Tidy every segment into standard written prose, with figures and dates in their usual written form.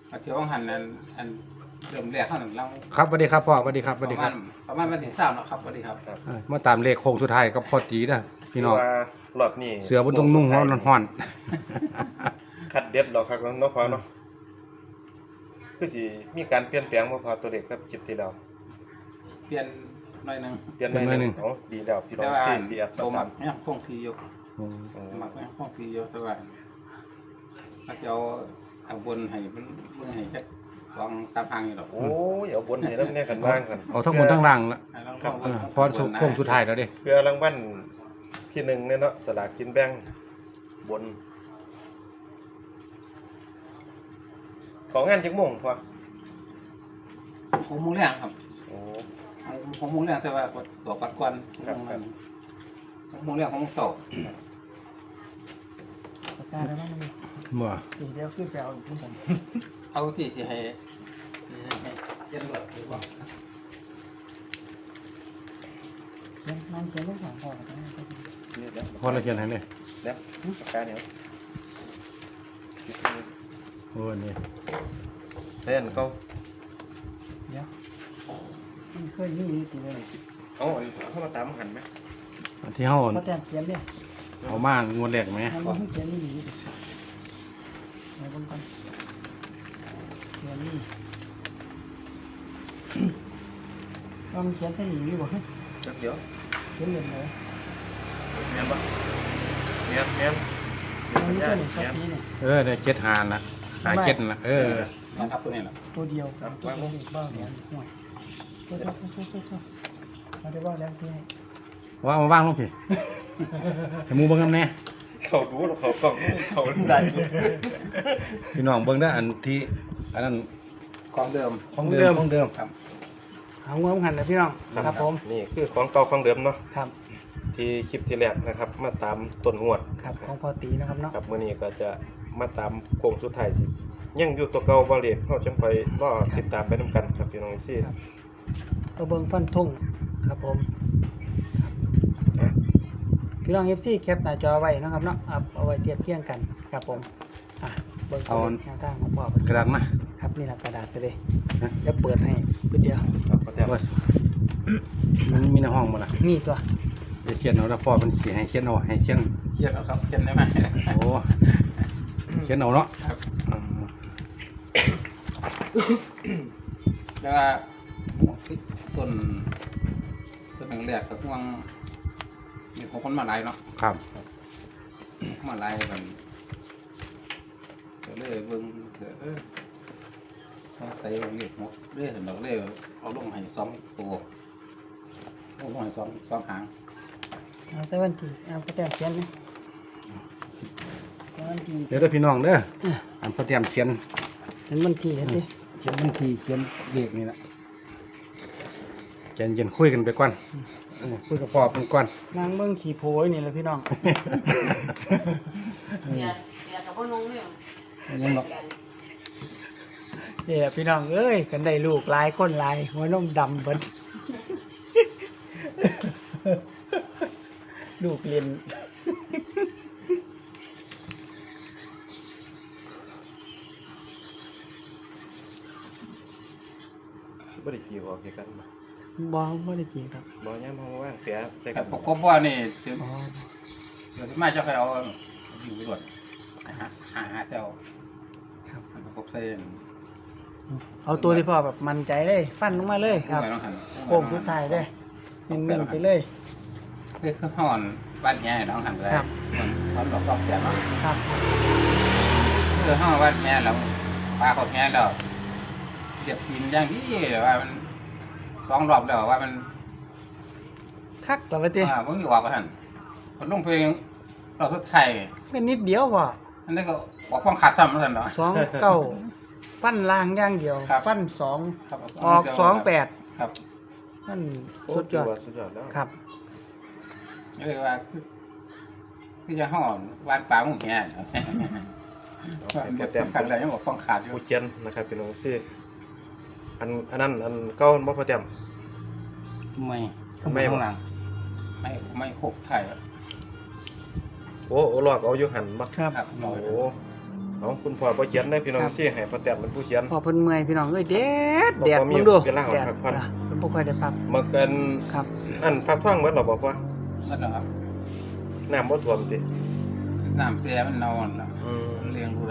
เที่ยวหันอันเริ่มแรกเท่านั้นเราครับสวัสดีครับพ่อสวัสดีครับสวัสดีครับประมาณวันที่3แล้วครับสวัสดีครับมาตามเลขโค้งสุดท้ายกับพ่อตีนะพี่น้องว่ารอบนี้เสือบนตรงนุ่งห้อนคัดเด็ดหรอกครับเนาะพอเนาะคือสิมีการเปลี่ยนแปลงบ่พอตัวเด็กครับคลิปที่แล้วเปลี่ยนหน่อยหนึงเปลี่ยนหน่อยหนึงเอาดีแล้วพี่น้อแต่งว่าที่ที่แอปโตมัตาก มยังคงที่อยู่ๆอืมมักยังคงที่อยู่แต่ว่าถ้าสิเอาบนให้มันเบิ่งให้จัก2-3ทางอยู่ดอกโอ้ยเอาบนให้นำแน่กันบ้างกันเอาทั้งบนทั้งล่างละให้ลองครับเบิ่งพอโค้งสุดท้ายแล้วเด้เพื่อรางวัลที่1เนี่ยเนาะสลากกินแบ่งบน ของงานจักโมงพอ 6 โมงแรงครับโอ้ 6 โมงแรงแต่ว่าตัวปัดก่อนครับ 6 โมงแรง6 โมงเช้าปากกาได้ไหมมันมีบ่เดี๋ยวขึ้นไปเอาขึ้นผมเอาที่ให้เย็นแบบหรือว่านั่งเขียนลูกสาวพ่อกันนะนี่แล้วพอเราเขียนให้เลยแล้วปากกาเนี่ยโอ้นี่เล่นเขาเดี๋ยวมันเคยมีตีเลยเอาอันเข้ามาตามหันไหมอันที่เฮาเขาแต่งเขียนเนี่ยเอามางวดแรกไหมมันเขียนนี่ดีไหนบนกันเขียนนี่ว่ามันเขียนแค่นี้นี่บ่เดี๋ยวเขียนเล่นเลยเมียนปะเมียนมันนี่ก็หนึ่งสักทีเนี่ยได้7หานะหา7นะนะครับตัวนี้แหละตัวเดียวกับตัวนี้บ้าเหรียญห่วยตัวมาได้ว่าแล้วที่ให้ว่ามาว่างลงพี่ให้หมู่เบิ่งนำแน่เขารู้หรอเขากล้องเขาได้พี่น้องเบิ่งได้ออันที่อันนั้นของเดิมของเดิมครับเอางวงหันนะพี่น้องครับผมนี่คือของเก่าของเดิมเนาะครับที่คลิปที่แรกนะครับ มาตามต้นงวดครับของพอตีนะครับเนาะครับมื้อนี้ก็จะมาตามโค้งสุดท้ายที่ยังอยู่ตัวเก่าบ่เรียกเฮาจังไปรอติดตามไปนํกันครับพี่น้องที่ตัวเบิงฟันทุ่งครับผมพี่น้อง FC แคปหน้าจอไว้นะครับเนาะเอาไว้เทียบเคียงกันครับผมเบิ่งตัวแนวทางของพ่อกระดาษมาครับนี่แหละกระดาษไปเลยแล้วเปิดให้เพื่อเดียวครับก็แต่ว่ามันมีในห้องบ่ล่ะมีตัวจะเขียนเอาแล้วพ่อมันสิให้เขียนเอาให้เขียนเขียนเอาครับเขียนได้ไหมโอ้เขียนเอาเนาะครับแล้วก็ต้นแรกๆก็ห่วงมีคนมาไล่เนาะครับมาไล่กันก็เลยเบิ่งใส่เรียกหมดเรื่อยๆเราเลยเอาลงให้2 ตัวลงให้2หางเอาแต่วันที่เอาก็แต่เขียนนะวันที่เดี๋ยวเด้อพี่น้องเด้ออันพอเตรียมเขียนเห็นวันที่เห็นดิเขียนบัญชีเขียนเลขนี่ล่ะใจเย็นคุยกันไปก่อนคุยกับพ่อเป็นก่อนนางเบิ่งขี่โพยนี่แหละพี่น้องเดี๋ยวกับพ่อนุ่งเนี่ยยังหรอกนี่แหละพี่น้องเอ้ยกันได้ลูกหลายคนหลายหัวนมดำเบิด ลูกเรียนบ่ได้กี่ออกกันบ่บ่บ่ได้จริงครับบ่ยามเฮาว่างแปะใส่แต่กันปกว่านี่สิอ๋อเดี๋ยวที่มาจะใครเอาอยู่ไปรวดหาเจ้าครับประกบเส้นเอาตัวที่พ่อแบบมั่นใจเลยฟันลงมาเลยครับต้องหันโป่งสุดท้ายเลยเน้นๆไปเลยคือห่อนบ้านแง่ต้องหันเลยตอนดอกรอบแก่เนาะครับคือห่อบ้านแง่เราปลาเขาแง่เราเดี๋ยวกินอย่างที่แต่ว่ามัน2 รอบแล้วว่ามันคักแล้วว่าติมันอยู่ออกกันหันคนลงเพลงรอบสุดท้ายเป็นนิดเดียวพ่ออันนี้ก็ออกความขาดซ้ำแล้วกันเนาะ 29ฟันล่างอย่างเดียวครับฟัน2 ครับออก28 ครับนั่นโอ้สุดยอดสุดยอดแล้วครับเลยว่าคือจะห่อนวานปลาหมุ่งแง่เก็บแต้มขาดอะไรยังบอกความขาดอยู่ผู้เจนนะครับพี่น้องที่อันนั้นอันเก่าบ่พอแต้มไม่ไม่ข้างหลังไม่ครบไทยโอ้ลอกเอาอยู่หันบ่ครับครับโอ้เอาคุณพ่อบ่เขียนได้พี่น้องซี่ให้พ่อแต้มเป็นผู้เขียนพอเพิ่นเมื่อยพี่น้องเอ้ยแดดบ่แดดมีมึงดูเวลาออกแดดพักผ่อนเพิ่นบ่ค่อยได้พักมาเกินครับอันฟักท่องเบิดหรอบ่พ่อนั่นแหละครับน้ำบ่ท่วมติน้ำเสียมันนอนแล้วอืมมันเลี้ยงผู้ใด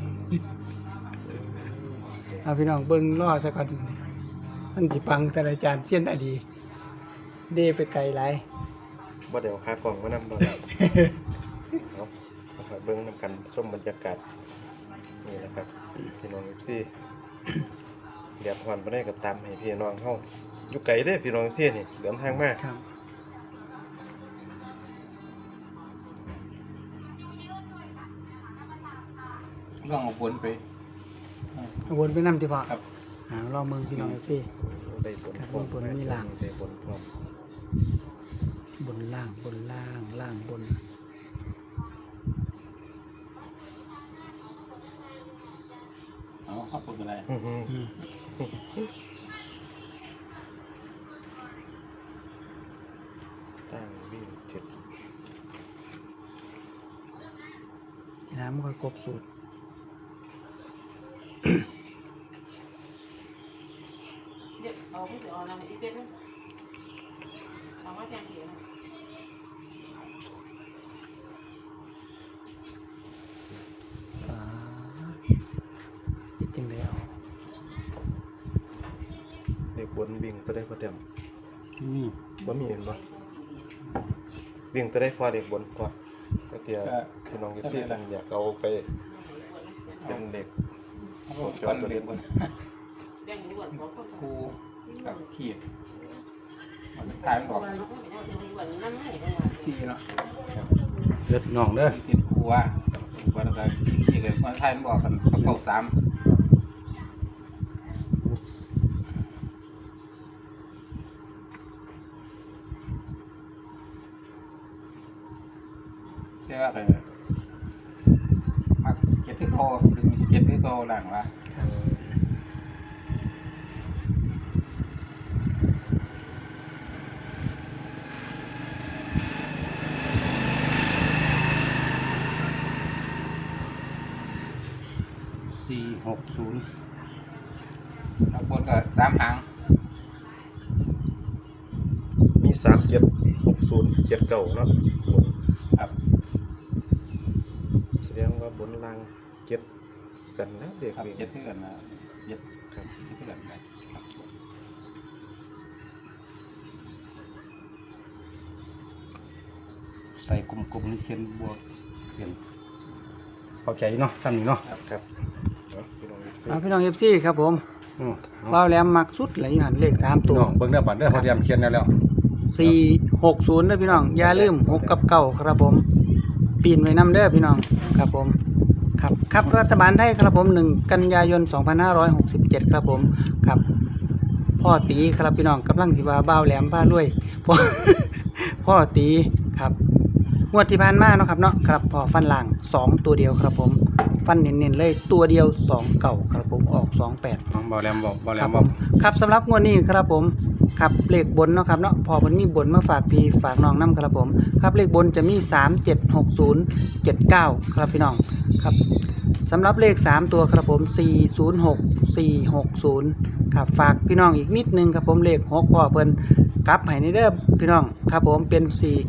เอาพี่น้องเบิ่งรอซะก่อนมันสิปังแต่ละจานเสี้ยนอดีเดไปไกลหลายบ่ได้เอาขากล่องมานำบ่ได้เอาเอาไปเบิ่งนำกันชมบรรยากาศนี่นะครับพี่น้อง FC เดือดร้อนบ่ได้ก็ตามให้พี่น้องเฮาอยู่ไกลเด้อพี่น้อง FC นี่เดินทางมาครับลองเอาผลไปเอาวนไปนำที่พ่อครับรอเมืองพี่น้องสิได้ผลครับพร้อมบนมีหลังได้ผลพร้อมบนล่างบนล่างล่างบนเอาเข้าไปอะไรอื้อหืออืมตั้งวิ่งจุดน้ำมันก็ครบสูตรเดี๋ยวเอาไปเอาน้ำอีกเป็ดเอามาแพงกี่นะอ่าคิดจังไดเอาเด็กบนวิ่งตัวได้พอเต็มนี่บ่มีเห็นบ่วิ่งตัวได้พอเด็กบนพอก็เตียพี่น้องที่อยากเอาไปเป็นเด็กเอาคนเลี้ยงคนแบ่งด่วนของคนครูกับขีดมันทายมันบอกนั่นให้ได้ว่าที่เนาะเลือดน้องเด้อที่กินครูว่าวันละขี้เลยมันทายมันบอกกันเขาเก่า3เจ้าไปมักเก็บที่โตดึงเก็บที่โตหลังวะ 460 เอาบนก็3หางมี3760 79เนาะบนครับแสดงว่าบนล่าง7กันนะเด็กครับวิ่งเจ็ดเพื่อนนะเจ็ดครับเพื่อนนะครับใส่กลมๆนี่เขียนบวกเขียนเข้าใจเนาะซ้ำนี่เนาะครับเอาพี่น้องเอาพี่น้องเอฟซีครับผมอือว้าวแหลมมักสุดไหลหันเลข3ตัวน้องเบิ่งเด้อบัดเด้อพอเตรียมเขียนแล้ว 460เด้อพี่น้องอย่าลืม6กับ9ครับผม ปีนไว้นํเด้อพี่น้องครับผมครับครับรัฐบาลไทยครับผม1กันยายน2567ครับผมครับพ่อตีครับพี่น้องกำลังสิว่าบ้าวแหลมพารวยพ่อ พ่อตีครับงวดที่ผ่านมาเนาะครับเนาะครับพอฟันล่าง2ตัวเดียวครับผมฟันเน้นๆเลยตัวเดียว2เก่าครับผมออก28 น้องบ่แหลมบอกบ่แหลครัมบผบอกมครับสำหรับงวดนี้ครับผมครับเลขบนเนาะครับเนาะพอมันมีบนมาฝากพี่ฝากน้องน้ำครับผมครับเลขบนจะมี3 7 6 0 7 9ครับพี่น้องครับสำหรับเลข3ตัวครับผม406 460ครับฝากพี่น้องอีกนิดนึงครับผมเลข6พ่อเพิ่นกลับให้ในเด้อพี่น้องครับผมเป็น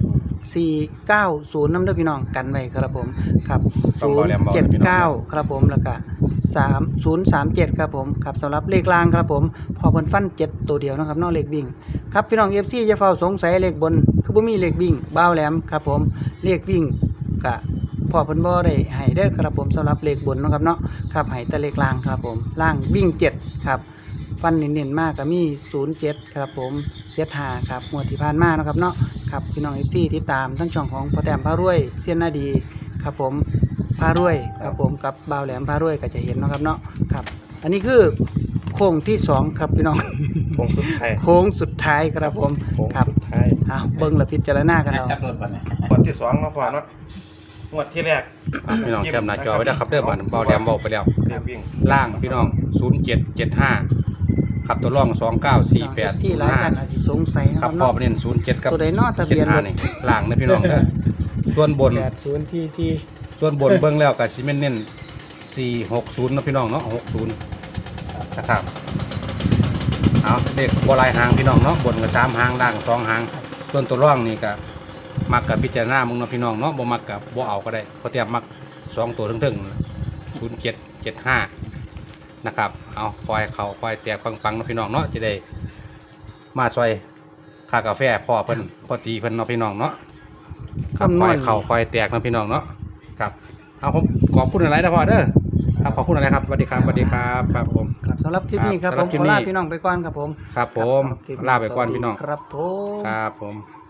490น้ำเด้อพี่น้องกันไว้ครับผมครับ079ครับผมแล้วก็3037ครับผมครับสำหรับเลขล่างครับผมพอเพิ่นฟัน7ตัวเดียวนะครับเนอกเลขวิ่งครับพี่น้อง FC อย่าเฝ้าสงสัยเลขบนคือบ่มีเลขวิ่งบ้าวแหลมครับผมเลขวิ่งก็พอเพิ่นบ่ได้ให้เด้อครับผมสำหรับเลขบนเนาะครับเนาะครับให้แต่เลขล่างครับผมล่างวิ่ง7ครับฟันเน้นๆมากก็มี07ครับผม75ครับงวดที่ผ่านมาเนาะครับเนาะครับพี่น้อง FC ติดตามทั้งช่องของพ่อแต้มพารวยเสี้ยนนาดีครับผมพารวยครับผมกับบ่าวแหลมพารวยก็จะเห็นเนาะครับเนาะครับอันนี้คือโค้งที่2ครับพี่น้องโค้งสุดท้ายโค้งสุดท้ายครับผมโค้งครับสุดท้ายเบิ้งและพิจารณากันเอาจับโดนก่อนเนี่ยงวดที่2เนาะพ่อเนาะงวดที่แรกพี่น้องแคปหน้าจอไว้เด้อครับเด้อบัดบ่แหลมบอกไปแล้วเรียกวิ่งล่างพี่น้อง0775ครับตัวร่องที่หลายกันอาจจะสงสัยนะ 2948 คครัรับบ พ่อเนาะไปเน้น07กับตัวใดเนาะทะเบียนรถ 75นี่ล่างนะพี่น้องเด้อส่วนบน 8044 ส่วนบนเบิ่งแล้วก็สิแม่นเน้น 460นะพี่น้องเนาะ60นะครับเอาเลขบ่หลายหางพี่น้องเนาะบนก็3หางล่าง2หางส่วนตัวร่องนี่ก็มักกับพิจารณามึงเนาะพี่น้องเนาะบ่มักกับบ่เอาก็ได้เพราะเตรียมมัก2ตัวถึงๆ0775นะครับเอาปล่อยเขาปล่อยแตกปังๆเนาะพี่น้องเนาะจะได้มาซอยค่ากาแฟพ่อเพิ่นพ่อตีเพิ่นเนาะพี่น้องเนาะคำนปล่วอณยเข่าปล่อยแตกนะพี่น้องเนาะครับเอาผมขอบคุณอะไรนะพ่อเด้อครับขอบคุณอะไรครับสวัสดีครับสวัสดีครับครับผมครับสำหรับคลิปนี้ครับครับผมสำหรับคลิขปอนี้ลาพี่น้องไปก่อนครับผมครับผมครับสำหรับคลิปลาไปก่อนพี่น้องครับผมครับผม